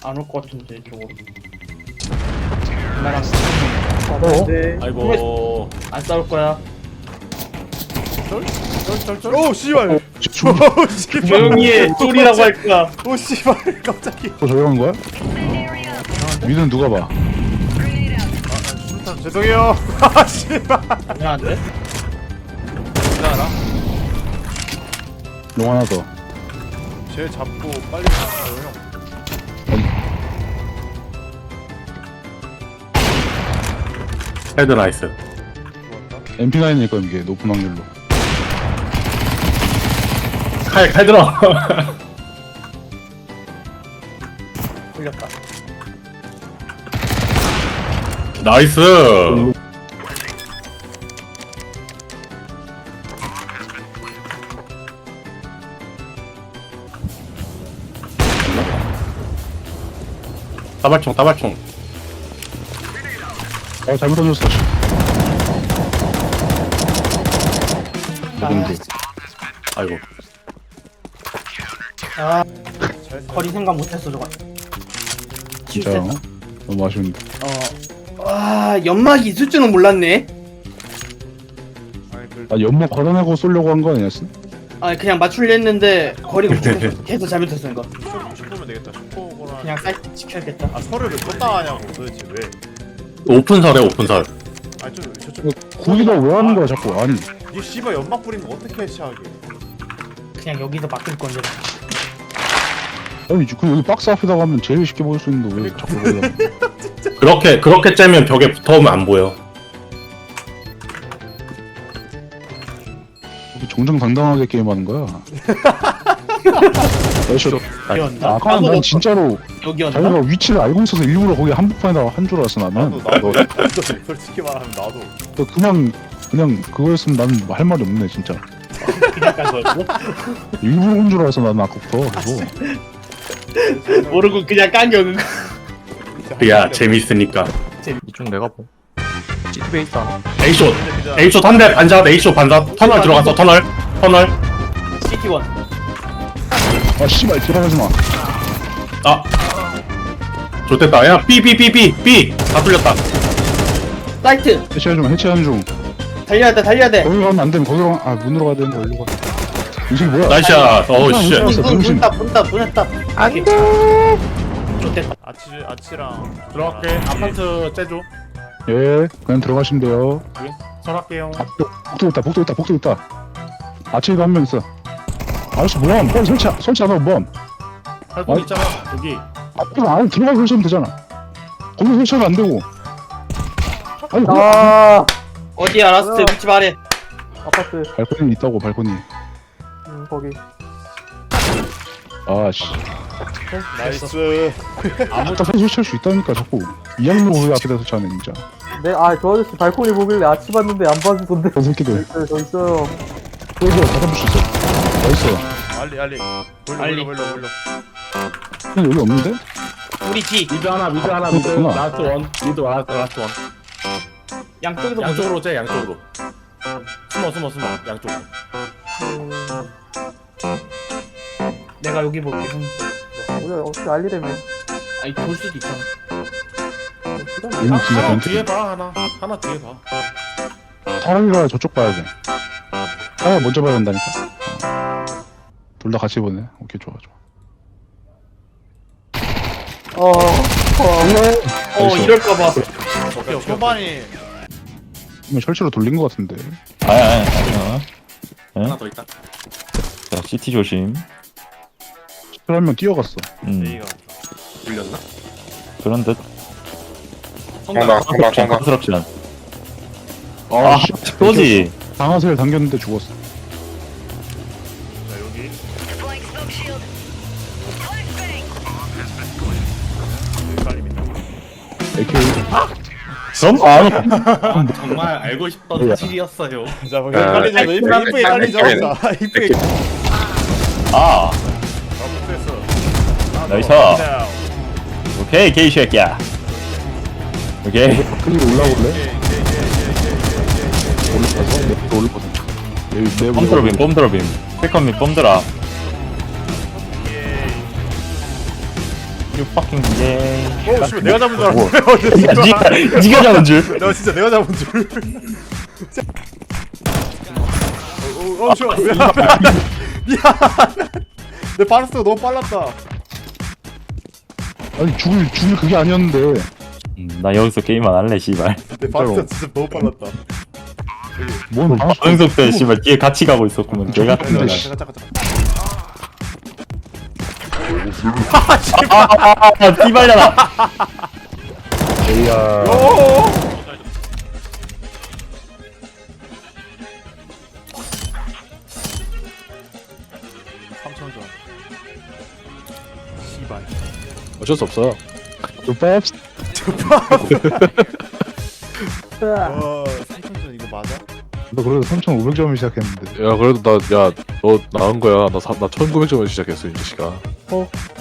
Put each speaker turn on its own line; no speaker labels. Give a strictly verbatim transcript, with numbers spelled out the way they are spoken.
안 올 것 같은데 이쪽으로. 나랑
어?
네.
아이고.
안 싸울 거야.
쩔쩔쩔.
오 씨발. 오 씨발.
조용히 해. 쫄이라고 할 거야.
오 씨발. 깜짝이야.
또 조용한 거야? 미드는 누가 봐?
아, 죄송해요. 아 씨발.
미안한데?
괜찮아?
롱 하나 더.
쟤 잡고 빨리 잡아요 형.
헤드 나이스.
좋았다.
엠피 나인일 거야 이게 높은 확률로.
칼, 칼 들어.
풀렸다.
나이스. 다발총, 다발총.
어 잘못 던졌어. 레전드.
아이고.
아,
잘
거리 생각 못했어 저거.
진짜요? 너무 아쉬운데.
어. 와, 연막이 있을 줄은 몰랐네.
아니 그
아 연막 걸어내고 쏘려고 한 거 아니었어?
아, 그냥 맞추려 했는데 거리가 부족해서 계속 잘못했어 이거.
슈퍼면 되겠다. 슈퍼거나.
그냥 사이트 지켜야겠다.
아 설을 왜 껐다 하냐고 도대체 왜?
오픈설에 오픈설.
아니 좀 저쪽.
거기다 왜 하는 거야 자꾸? 아니.
이 씨발 연막 뿌리면 어떻게 해치하게?
그냥 여기서 막을 건데.
아니 그 여기 박스 앞에다가 하면 제일 쉽게 보일 수 있는데 왜 자꾸 그러냐?
그렇게, 그렇게 째면 벽에 붙어오면 안 보여.
정정당당하게 게임하는 거야. 나이스.
여기였나?
아, 아까 난 진짜로
여기였나?
자기가 위치를 알고 있어서 일부러 거기 한복판에다가 한 줄 알았어 나는.
나도 나도 나도 솔직히 말하면 나도.
또 그냥 그냥 그거였으면 나는 할 말이 없네 진짜.
그냥 간 거였어?
일부러 온 줄 알았어 나는 아까부터. 그거.
모르고 그냥 깐겨 그거.
야, 재밌으니까.
이쪽 내가 보. 시트베 있다.
A쇼. A쇼 한 대 반샷, A쇼 반샷. 터널 들어갔어, 터널. 터널.
시티원.
아 씨발 들어가지 마.
아. 좋됐다. 야, B, B, B, B, B. 다 뚫렸다.
사이트.
해체하는 중 해체하는 중.
달려야 돼, 달려야 돼.
거기로 가면 안 되면 거기로 가. 아 문으로 가야 되는데 어디로 가? 이 새끼 뭐야?
나이스샷. 어우, 씨.
알았어,
문,
병신.
문다, 문다, 문다. 안 돼. 좋됐다.
아치 아치랑
들어갈게. 아파트 째줘.
예 그냥 들어가시면 돼요.
설할게요.
아, 또, 복도 있다 복도 있다 복도 있다. 아치에도 한 명 있어. 아저씨 뭐야? 빨리 설치 설치 안 하고 뭐?
할거
아이.
있잖아. 여기.
아 그럼 안에 들어가서 설치하면 되잖아. 거기 설치하면 안 되고. 아니 뭐
아,
어디야, 라스트 위치 말해.
아파트.
발코니 있다고 발코니.
음, 거기.
아씨.
나이스.
아무튼 설치할 수 있다니까 자꾸 이양로 거기 앞에다 설치하네 진짜.
네, 아, 저 아저씨 발코니 보길래 아치 봤는데 안 봐주던데.
저 새끼들.
네, 저 있어요.
여기 다 잡을 수 있어. 나이스.
알리 알리. 몰려
알리.
몰려 몰려 몰려.
근데 여기 없는데?
우리 뒤.
미드 하나, 미드 하나, 미드.
그렇구나.
라스트 원. 미드 라스트, 라스트 원.
양쪽에서 보자.
양쪽으로 째, 양쪽으로. 숨어, 숨어, 숨어. 양쪽으로.
내가 여기 볼게. 형.
우리 어떻게 알리래며.
아니, 볼 수도 있잖아.
여기 진짜
하나
변태.
뒤에 봐, 하나. 하나 뒤에 봐.
사람이가 저쪽 봐야 돼. 사람이 먼저 봐야 된다니까. 둘 다 같이 보네. 오케이 좋아 좋아.
어, 어,
어,
나이스.
이럴까봐.
오케이 초반이
이거 설치로 돌린 것 같은데.
아니 아니 아니
하나 더 있다.
자 시티 조심.
한명 뛰어갔어.
음
A가
불렸나?
그런 듯
성당, 성당, 성당.
깜스럽지 않.
아, 씨.
또지.
방아쇠를 당겼는데 죽었어.
자 여기 여기 깔립니다.
에이케이.
그럼 아
정말 알고 싶던 사실이었어요.
자 여기 깔리죠. 이쁘게 이쁘게 깔리죠. 자 이쁘게.
아
됐어.
나이스. 오케이 게이 새끼야. 오케이
클릭 올라올래? 올라가서 내가 올라거든. 내
뽐드러빔 뽐드러빔 세컨 및 뽐드라. You fucking gay.
어 씨발 내가 잡은 줄 알았어.
야, 니가 니가 잡은 줄.
내가 진짜 내가 잡은 줄. 어, 어, 씨발 미안. 미안. 내 바르스가 너무 빨랐다.
아니 죽을 죽을 그게 아니었는데.
음, 나 여기서 게임 안 할래 씨발.
내 바르스가 진짜 너무 빨랐다.
뭔 방송
방석 때 씨발 뒤에 같이 가고 있었구만. 개 같은
잠깐
거야.
잠깐 잠깐.
아, 띠발려라.
에이야.
오. 삼천 점. 씨발.
어쩔 수 없어.
조밥.
와, 삼천 점 이거 맞아?
너 그래도 삼천오백 점을 시작했는데.
야 그래도 나 야 너 나은 거야. 나 나 천구백 점을 시작했어 이 자식아.
어